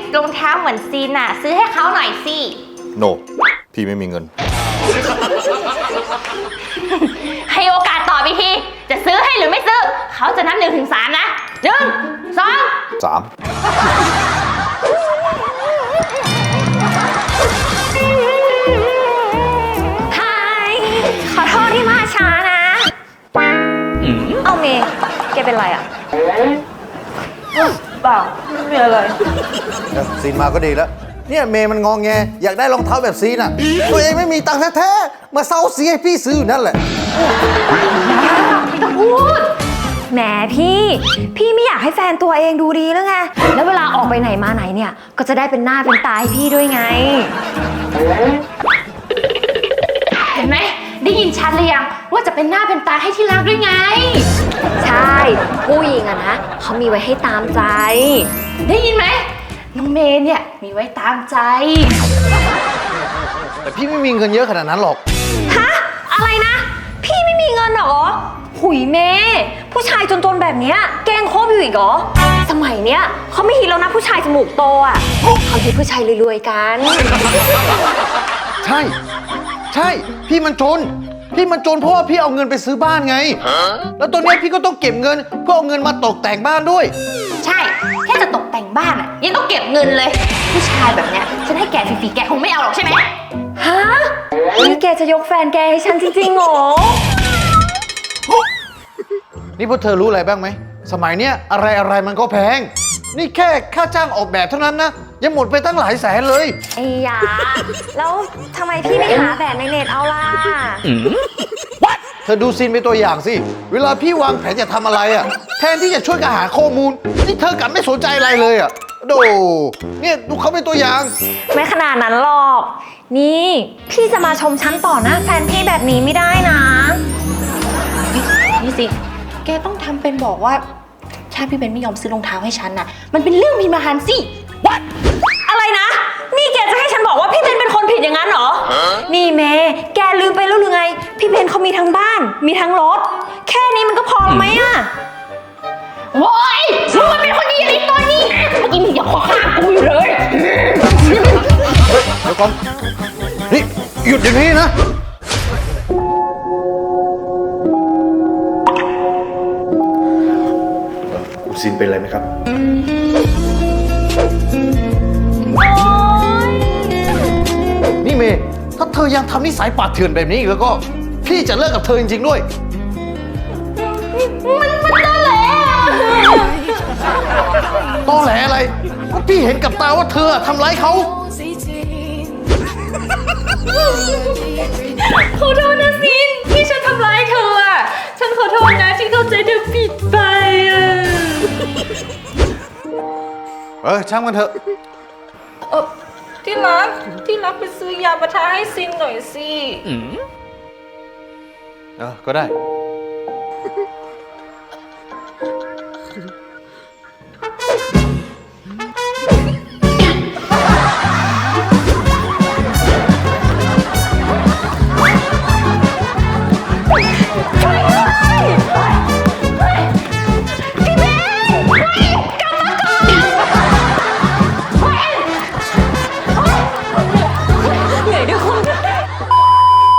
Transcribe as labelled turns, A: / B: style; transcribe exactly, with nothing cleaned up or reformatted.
A: รองเท้าเหมือนซีนน่ะซื้อให้เขาหน่อยสิ
B: โน พี่ไม่มีเงิน
A: ให้โอกาสตอบอีกทีจะซื้อให้หรือไม่ซื้อเขาจะนับหนึ่งถึงสามนะหนึ่งสอง
B: สาม
A: ฮายขอโทษที่มาช้านะเอาเมย์แกเป็นไรอ่ะเปล่าไม่มีอะไร
B: ซีนมาก็ดีแล้ว เนี่ยเมย์มันงองแงอยากได้รองเท้าแบบซีนอ่ะ ตัวเองไม่มีตังค์แท้ๆมาเซาซีให้พี่ซื้ออยู่นั่นแหละ
A: ไม่ต้องพูดแหมพี่ พี่ไม่อยากให้แฟนตัวเองดูดีแล้วไง แล้วเวลาออกไปไหนมาไหนเนี่ย ก็จะได้เป็นหน้าเป็นตาให้พี่ด้วยไง เห็นไหมได้ยินชัดเลยยังว่าจะเป็นหน้าเป็นตาให้ที่รักด้วยไง ใช่ผู้หญิงอะนะเขามีไว้ให้ตามใจ ได้ยินไหมน้องเมย์เนี่ยมีไว้ตามใจ
B: แต่พี่ไม่มีเงินเยอะขนาดนั้นหรอก
A: ฮะอะไรนะ พี่ไม่มีเงินเหรอหุยเมย์ผู้ชายจนๆแบบเนี้ยแกล้งคบอยู่อีกเหรอสมัยเนี้ยเขาไม่ฮิตแล้วนะผู้ชายจมูกโตอ่ะเขาฮิตผู้ชายรวยๆกัน
B: ใช่ ใช่ พี่มันจน พี่มันจนเพราะว่าพี่เอาเงินไปซื้อบ้านไง แล้วตอนนี้พี่ก็ต้องเก็บเงินเพื่อเอาเงินมาตกแต่งบ้านด้วย
A: ใช่แค่จะตกแต่งบ้านอ่ะยังต้องเก็บเงินเลย ผู้ชายแบบเนี้ยฉันให้แกฟรีๆแกคงไม่เอาหรอกใช่ไหมฮะนี่แกจะยกแฟนแกให้ฉันจริงๆเหรอ
B: นี่พวกเธอรู้อะไรบ้างไหม สมัยเนี้ยอะไรอะไรมันก็แพง นี่แค่ค่าจ้างออกแบบเท่านั้นนะยังหมดไปตั้งหลายแสนเลย
A: ไอ้ยาแล้วทำไมพี่ไม่หาแบบในเน็ตเอาล่ะ
B: เธอดูซีนเป็นตัวอย่างสิ เวลาพี่วางแผนจะทำอะไรอ่ะ แทนที่จะช่วยกันหาข้อมูล นี่เธอกลับไม่สนใจอะไรเลยอ่ะโดเนี่ยดูเขาเป็นตัวอย่าง
A: ไม่ขนาดนั้นหรอก นี่พี่จะมาชมฉันต่อหน้าแฟนพี่แบบนี้ไม่ได้นะนี่สิ แกต้องทำเป็นบอกว่าถ้าพี่เบนไม่ยอมซื้อรองเท้าให้ฉันน่ะ มันเป็นเรื่องพิมพ์หันสิ What? อะไรนะ นี่แกจะให้ฉันบอกว่าพี่เบนเป็นคนผิดอย่างนั้นเหรอ นี่เมย์แกลืมไปแล้วหรือไง พี่เบนเขามีทั้งบ้าน มีทั้งรถ แค่นี้มันก็พอไหมอะโว้ยมึงมันเป็นคนดีอะไรตอนนี้เมื่อกี้มึงอย่าขอข้ามกูอยู่เลย
B: เดี๋ยวก่อน นี่หยุดเดี๋ยวนี้นะ คุณซินเป็นอะไรไหมครับ นี่เมย์ถ้าเธอยังทำนิสัยป่าเถื่อนแบบนี้อีกแล้วก็ พี่จะเลิกกับเธอจริงๆด้วย
A: มันมันตอแหล
B: ตอแหลอะไรก็พี่เห็นกับตาว่าเธอทำร้ายเขา
A: ขอโทษนะซินที่ฉันทำร้ายเธออ่ะ ฉันขอโทษนะที่เข้าใจเธอผิดไปอ่ะ
B: เออช่างมันเถอะ
C: เออที่รักที่รักไปซื้อยาปะทาให้ซินหน่อยสิ
B: เออก็ได้